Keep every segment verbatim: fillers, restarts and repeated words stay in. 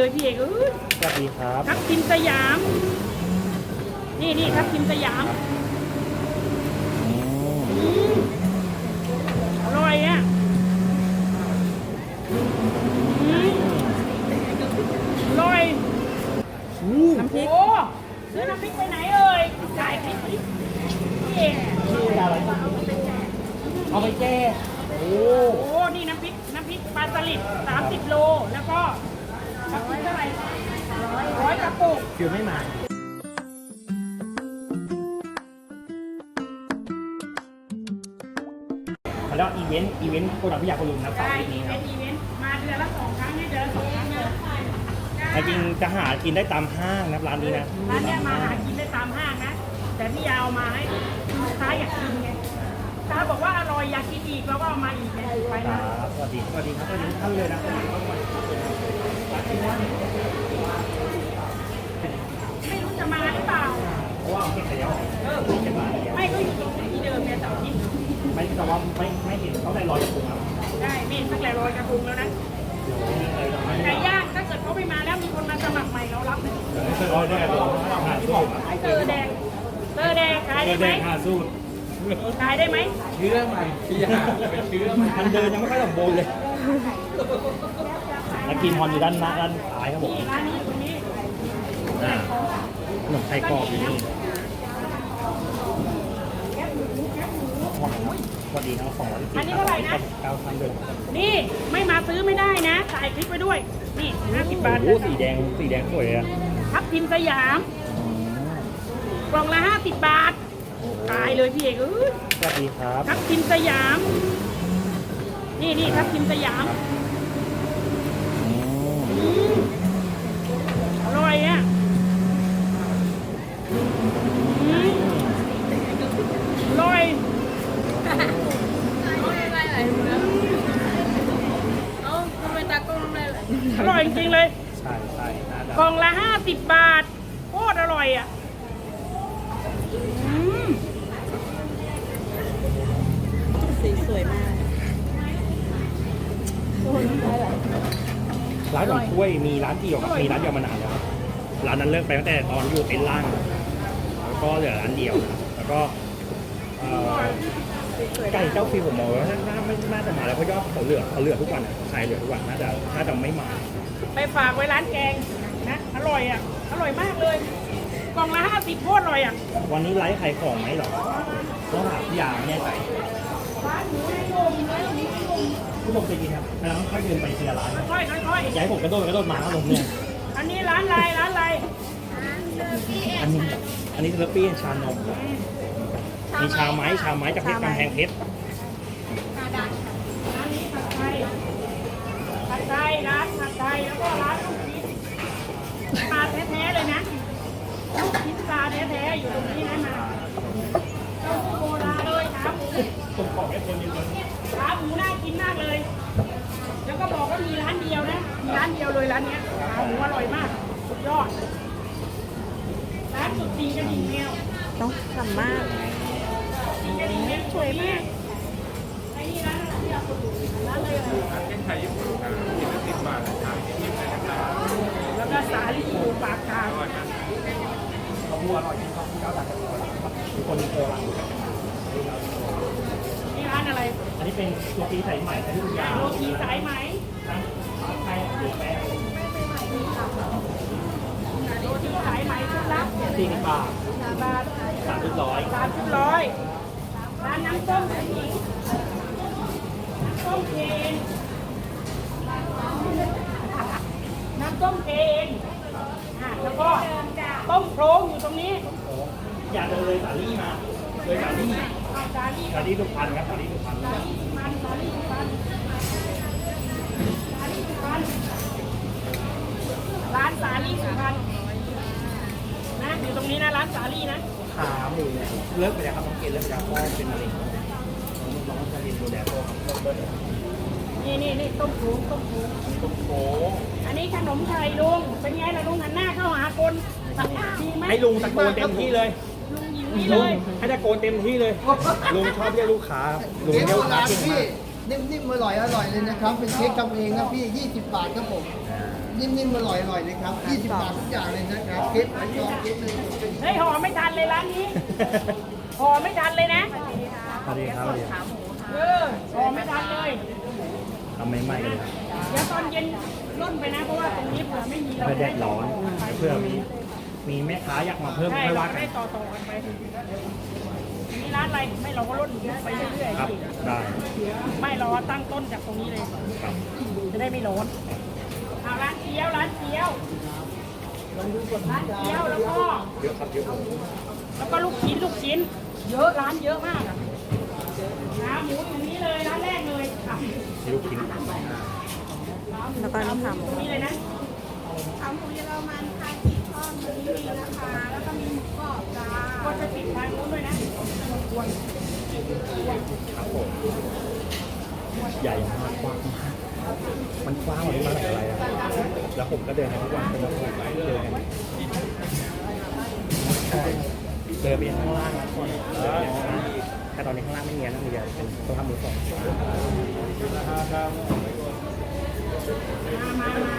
พี่เอกเอ้ยสวัสดีครับทับทิมสยาม นี่นี่ทับทิมสยามอืมอืมอร่อยอ่ะอืมอร่อยอู้น้ำพริกโอ้ซื้อน้ำพริกไปไหนเอ่ยจ่ายพริกพี่เอกชื่ออะไรเอาไปแก้โอ้โอ้นี่น้ำพริกน้ำพริกปลาสลิดสามสิบโลแล้วก็ทับทิมเท่าไหร่ร้อยกระปุกคิวไม่มาแล้วอีเวนต์อีเวนต์โปรดักต์พิยาคนลุมนะเสาร์ใช่อาทิตย์นี้เป็นะนอีเวนต์มาเดือนละสองครั้งเนี่ยเดือนละสองครั้งเลยจริงจะหากินได้ตามห้างนะร้านนี้นะร้านเนี้ยมาหากินได้ตามห้างนะ แต่พี่ยาวมาให้ลูกค้าอยากกินไงลูกค้าบอกว่าอร่อยอยากกินอีกเราก็เอามาอีกไงไปคนะรับสวัสดีสวัสดีครับสวัสดีทุกท่านเลยนะไม่รู้จะมาหรือเปล่าเพราะว่าเอาเก็บไปแล้วเออเก็บมาแล้วไม่ก็อยู่ตรงที่เดิมเนี่ยเสาร์อาทิตย์ไม่แต่ว่าไม่ไม่เห็นเขาได้รอยกระปุกครับได้เมนตั้งแต่รอยกระทงแล้วนะไก่ย่างถ้าเกิดเขาไม่มาแล้วมีคนมาสมัครใหม่เรารับนะไม่เคยรอยได้หรอกหาที่บอกเตอร์แดงเตอร์แดงขายได้ไหมหาสูตรขายได้ไหมเชื่อใหม่พี่ยาไปเชื่อใหม่มันเดินยังไม่ค่อยสมบูรณ์เลยแล้วกินฮอนอยู่ด้านหน้าด้านซ้ายครับผมนี่ร้านนี้ตรงนี้อ่าขนมไทยกรอบอยู่นี่สวัสดีทั้งสองร้อยสิบอันนี้เท่าไหร่นะเก้าพันเดือนนี่ไม่มาซื้อไม่ได้นะถ่ายคลิปไปด้วย นี่ห้าสิบบาทโอ้โหสีแดงสีแดงสวยเลยอะทับทิมสยาม กล่องละห้าสิบบาทตายเลยพี่เอกเอ้ยสวัสดีครับทับทิมสยาม นี่นี่ทับทิมสยามอืมอืมอร่อยอ่ะอืมอร่อยอร่อยจริงๆเลยใช่ใช่น่าจะกล่องละห้าสิบบาทโคตรอร่อยอ่ะอืมสีสวยมากร้านของกล้วยมีร้านเดียวครับมีร้านเดียวมานานแล้วครับร้านนั้นเลิกไปตั้งแต่ตอนอยู่เต็นท์ล่างแล้วก็เหลือร้านเดียวนะครับแล้วก็เอ่อไก่เจ้าฟิวผมมองว่าน่าไม่น่าจะมาแล้วเพราะยอดเขาเหลือเขาเหลือทุกวันอะขายเหลือทุกวันน่าจะน่าจะไม่มาไปฝากไว้ร้านแกงนะ อร่อยอ่ะ อร่อยมากเลย กล่องละห้าสิบโคตรอร่อยอ่ะวันนี้ไลฟ์ขายของไหมเหรอต้องถามพี่ยาไม่แน่ใจร้านหมูในโยมร้านหมูในโยมผู้ชมใจเย็นครับแล้วค่อยเดินไปทีละร้านค่อยๆค่อยอย่าให้ผมกระโดดกระโดดมาครับผมเนี่ยๆอันนี้ร้านอะไรร้านอะไรอันนี้อันนี้เทอร์ปี้ชานมมีชาไม้ชาไม้จากเพชรกำแพงเพชรร้านนี้ผัดไทยผัดไทยร้านผัดไทยแล้วก็ร้านลูกชิ้นปลาแท้ๆเลยนะลูกชิ้นปลาแท้ๆอยู่ตรงนี้นะมาเต้าหู้โบราณเลยขาหมูผมขอแค่คนเดียวขาหมูน่ากินมากเลย แล้วก็บอกว่ามีร้านเดียวนะ มีร้านเดียวเลยร้านเนี้ยขาหมูอร่อยมาก สุดยอด ร้านสุดตีกระดิ่งแมวต้องทำมากตีกระดิ่งแมวสวยมากไอ้นี่ร้านอะไรเนี่ยร้านอะไรอ่ะเช่นไทยญี่ปุ่นนะกินละสิบบาทนะครับยี่สิบนะครับแล้วก็สาลีหมูปากกาเขาพูดอร่อยจริงเขาพูดเก้าบาทคนโคราชนี่ร้านอะไรอันนี้เป็นตัวตีสายใหม่ที่ทุกอย่างโรตีสายไหมทั้งไทยหรือแป้งโรตีสายไหมชุดละสี่สิบบาทบาทสามสิบร้อยสามสิบร้อยร้านน้ำส้มผู้หญิงน้ำส้มเคนน้ำส้มเคนอ่ะแล้วก็ต้มโครงอยู่ตรงนี้อย่าเดินเลยสาลี่มาเลยสาลี่เอาสาลี่สาลี่สุพรรณครับสาลี่สุพรรณสาลี่สุพรรณสาลี่สุพรรณสาลี่สุพรรณร้านสาลี่สุพรรณนะอยู่ตรงนี้นะร้านสาลี่นะขาหมูเลิกไปแล้วครับต้องกินเลิกไปแล้วพ่อเป็นมะเร็งน้องจะเรียนดูแลพ่อครับต้มเบิ้ลนี่นี่นี่ต้มโขงต้มโขงต้มโค้อันนี้ขนมไทยลุง เป็นไงล่ะลุงหันหน้าเข้าหาคนดีไหมให้ลุงตะโกนเต็มที่เลยลุงหญิงนี่ลุเลงยให้ตะโกนเต็มที่เลยลุงชอบเรียกลูกค้าลุงเจ๊เรียกโบลูกค้าราณเก่งพี่มากนิ่มๆอร่อยอร่อยเลยนะครับ เป็นเค้กทำเองนะพี่ยี่สิบบาทครับผมนิ่มๆอร่อยอร่อยเลยครับยี่สิบบาททุกอย่างเลยนะครับเค้กไม้ทองเค้กเลยเฮ้ยห่อไม่ทันเลยร้านนี้ห่อไม่ทันเลยนะสวัสดีครับสวัสดีครับเออห่อไม่ทันเลยทำใหม่ๆเลยครับเดี๋ยวตอนเย็นร่นไปนะเพราะว่าตรงนี้เผื่อไม่มีเราเพื่อแดดร้อนเพื่อมีมีแม่ค้าอยากมาเพิ่มใช่ไม่เราว่ากัได้นต่อต่อกันไปมีร้านอะไรไม่เราก็ร่นไปเรื่อยครับๆได้ไม่รอตั้งต้นจากตรงนี้เลยครับจะได้ไม่ร้อนเอาร้านเกี๊ยวร้านเกี๊ยวร้านเกี๊ยวแล้วก็เยอะครับเยอะแล้วก็ลูกชิ้นลูกชิ้น เยอะร้านเยอะมากอะขาหมูตรงนี้เลยร้านแรกเลยค่ะมีลูกชิ้นแล้วก็นี่ค่ะหมูตรงนี้เลยนะขาหมูเยอรมันคากิทอดมีมีนะคะ แล้วก็มีหมูกรอบจ้าก็จะติดทางนู้นด้วยนะครับผมใหญ่มากกว้างมากมันกว้างกว่านี้มาจากอะไรอะแล้วผมก็เดินไปทุกวันเป็นแบบเดินเดินไปข้างล่างนะก่อนเดินไปข้างล่างแต่ตอนนี้ข้างล่างไม่มีนะมีแต่เป็นตัวทำมือสองมามามา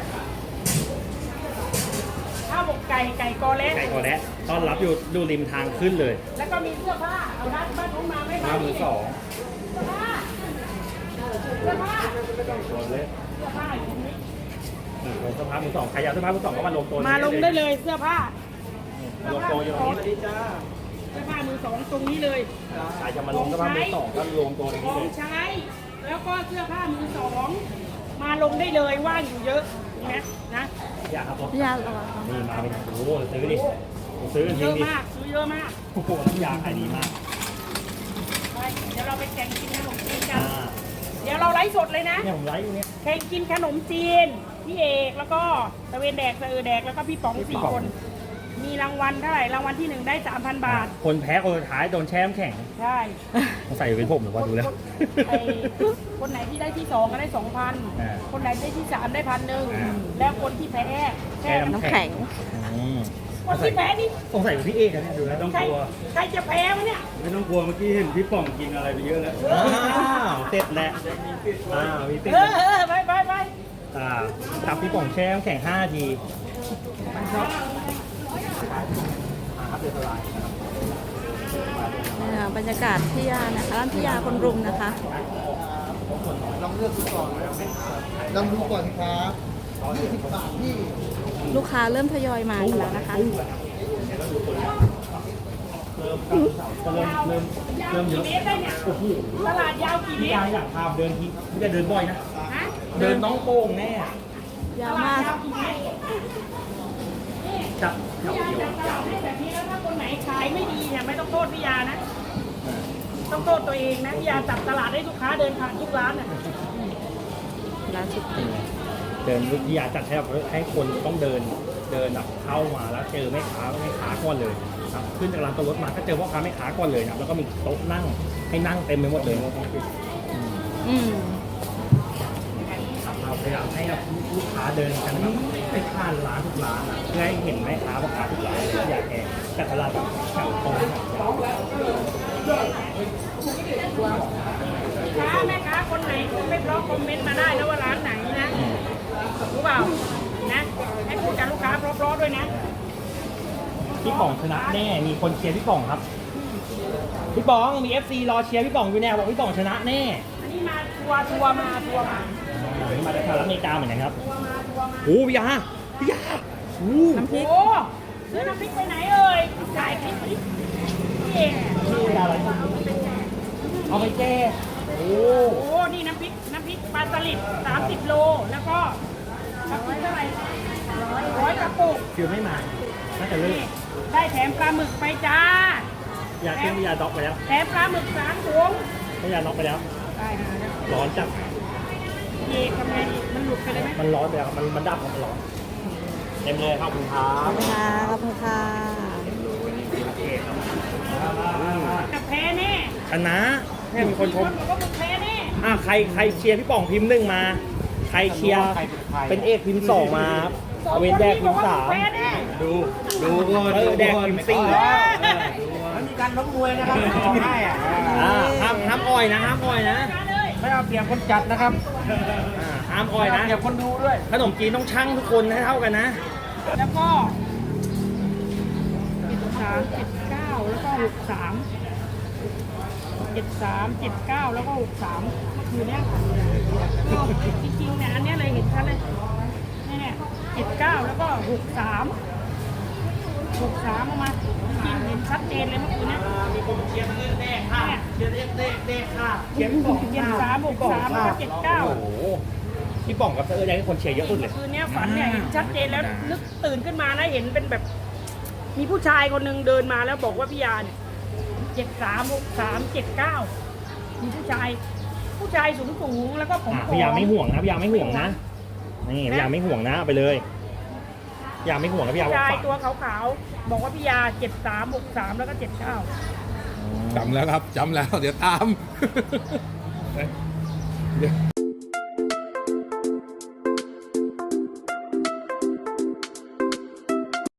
ข้าวหมกไก่ไก่กอเล็กไก่กอและต้อนรับอยู่ดูริมทางขึ้นเลยแล้วก็มีเสื้อผ้าเอาร้านบ้านนู้นมาไม่หน้ามือสองเสื้อผ้าเสื้อผ้าไก่กอและเสื้อผ้าอยู่ตรงนี้อืมลงเสื้อผ้ามือสองใครอยากเสื้อผ้ามือสองก็มาลงตัวมาลงได้เลยเสื้อผ้าลงตัวอยู่ตรงนี้เสื้อผ้ามือสองตรงนี้เลยใครจะมาลงเสื้อผ้ามือสองก็ลงตัวตรงขนี้อเลงยใช้ แล้วก็เสื้อผ้ามือสองมาลงได้เลยว่างอยู่เยอะนะนะอยากครับผมพี่ยาระวังนี่มาเป็นโอ้โหซื้อดิซื้อกันเยทิ้งอะดิมากซื้อเยอะมากโอ้โหน้ำยาขายดีมากไปเดี๋ยวเราไปแข่งกินขนมจีนกัอ่านเดี๋ยวเราไลฟ์สดเลยนะเนี่ยผมไลฟ์อยู่เนี่ยแข่งกินขนมจีนพี่เอกแล้วก็ตะเวนแดกตะเออแดกแล้วก็พี่ป๋องพี่สี่ป๋องคน มีรางวัลเท่าไหร่รางวัลที่หนึ่งได้สามพันบาทคนแพ้คนสุดท้ายโดนแช่น้ำแข็งใช่สงสัยเป็นผมหรือว่าดูแล้วไอ้คนไหนที่ได้ที่สองก็ได้สองพันอ่าคนไหนได้ที่สามได้พันหนึ่งอ่าแล้วคนที่แพ้แค่น้ำแข็งอืมคนที่แพ้นี่สงสัยเป็นพี่เอกอะเนี่ยดูแล้วต้องใครกลัวใครจะแพ้วะเนี่ยไม่ต้องกลัวเมื่อกี้เห็นพี่ป่องกินอะไรไปเยอะแล้วอ้าวเสร็จแล้วอ้าวมีติ๊กเออเออไปไปไปอ่าตับพี่ป่องแช่น้ำแข็งห้าทีอ่าครับเดือดสลายนี่ค่ะบรรยากาศพี่ยานะคะร้านพี่ยาคนรุมนะคะลองเลือกดูก่อนลองดูก่อนครับยี่สิบบาทพี่ลูกค้าเริ่มทยอยมากันแล้วนะคะก็เริ่มเริ่มเริ่มเยกี่อะเมตรได้เนี่ยโอ้โหตลาดยาวกี่เมพี่ตยาร อยากพาเดินทีพี่จะเดินบ่อยนะฮะเดินน้องโป่งแน่ยาวตลาดมากยาวกี่เมตรจับแถวพี่ยาเดียวจัดตลาดให้แบบนี้แล้วถ้าคนไหนขายไม่ดีเนี่ยไม่ต้องโทษพี่ยานะ ต้องโทษตัวเองนะพี่ยาจับตลาดให้ลูกค้าเดินผ่านทุกร้านน่ะร้านสุดเดินวิทยาจัดให้แบบให้คนต้องเดินเดินแบบเข้ามาแล้วเจอแม่ค้าแม่ค้าก่อนเลยครับขึ้นจากลานตัวรถมาก็เจอพ่อค้าแม่ค้าก่อนเลยนะแล้วก็มีโต๊ะนั่งให้นั่งเต็มไปหมดเลยอืมเราพยายามให้แบบลูกค้าเดินกันแบบไปผ่านร้านทุกร้านอะเพื่อให้เห็นแม่ค้าพ่อค้าทุกร้านเลยอยากแกแต่ตลาดแบบแถวตรงแถวยาวค้าแม่ค้าคนไหนพูดไม่เพราะคอมเมนต์มาได้นะว่าร้านไหนนะรู้เปล่านะให้พูดกับลูกค้าเพราะๆด้วยนะพี่ป๋องชนะแน่มีคนเชียร์พี่ป๋องครับพี่ป๋องมี เอฟ ซี รอเชียร์พี่ป๋องอยู่แน่บอกพี่ป๋องชนะแน่อันนี้มาทัวร์ทัวร์มาทัวร์มาอ่านี่มาจากสหรัฐอเมริกาเหมือนกันครับทัวร์มาทัวร์มาโอ้พี่ยาพี่ยาโอ้น้ำพริกโอ้ซื้อน้ำพริกไปไหนเอ่ยจ่ายคลิปนี้พี่เองพี่ยาอะไรเอาไปแก้โอ้โอ้นี่น้ำพริกน้ำพริกปลาสลิดสามสิบโลแล้วก็กระปุกเท่าไหร่ร้อยร้อยกระปุกคิวไม่มาน่าจะเลิกนี่ได้แถมปลาหมึกไปจ้ายาเชื่อมพี่ยาด็อกไปแล้วแถมปลาหมึกสามถุงพี่ยาน็อกไปแล้วได้มาแล้วร้อนจัดเอกทำไงดีมันหลุดไปเลยไหมมันร้อนไปแล้วมันมันดับมันร้อนเต็มเลยครับคุณครัขอบบ คุณค่ะขอบคุณค่ะโอเคครับกับแพ้แน่ชนะแค่มีคนชมบอกว่ามึงแพ้แน่อ่ะใครใครเชียร์พี่ป๋องพิมพ์หนึ่งมา ใครเชียร์เป็นเอกพิมพ์สองมาเอาเวนแดกพิมพ์สามแพ้แน่ดูดูก่อนเออแดกพิมพ์สี่มันมีการล้มมวยนะครับบอกให้อ่ะอ่าห้ามห้ามอ่อยนะห้ามอ่อยนะมาเลยไม่เอาเปรียบคนจัดนะครับอ่าห้ามอ่อยไม่นะเอาเปรียบคนดูด้วยขนมจีนต้องชั่งทุกคนให้เท่ากันนะแล้วก็เจ็ดสามเจ็ดเก้าแล้วก็หกสามเจ็ดสามเจ็ดเก้าแล้วก็หกสามเมื่อคืนเนี้ยก็จริงๆเนี่ยอันเนี้ยเลยเห็นชัดเลยเนี่ยเจ็ดเก้าแล้วก็หกสามหกสามออกมาจริงๆเห็นชัดเจนเลยเมื่อคืนเนี้ยมีคนเชียร์เรื่องแน่ค่ะเชียร์เรื่องแน่แน่ค่ะเจ็ดสองเจ็ดสามหกสามแล้วก็เจ็ดเก้าโอ้โหพี่ป๋องกับเธออยากให้คนเชียร์เยอะสุดเลยคืนเนี้ยฝันเนี่ยเห็นชัดเจนแล้วนึกตื่นขึ้นมานะเห็นเป็นแบบ มีผู้ชายคนหนึ่งเดินมาแล้วบอกว่าพี่ยาเนี่ยเจ็ดสามหกสามเจ็ดเก้ามีผู้ชาย ผู้ชายสูงสูงๆแล้วก็ผมอ่ะพี่ยาไม่ห่วงนะพี่ยาไม่ห่วงนะนี่พี่ยาไม่ห่วงนะเอาไปเลยพี่ยาไม่ห่วงนะพี่ยาผู้ชายฝากตัวขาวๆบอกว่าพี่ยาเจ็ดสามหกสามแล้วก็เจ็ดเก้าจำแล้วครับจำแล้ว เดี๋ยวตาม เดี๋ยว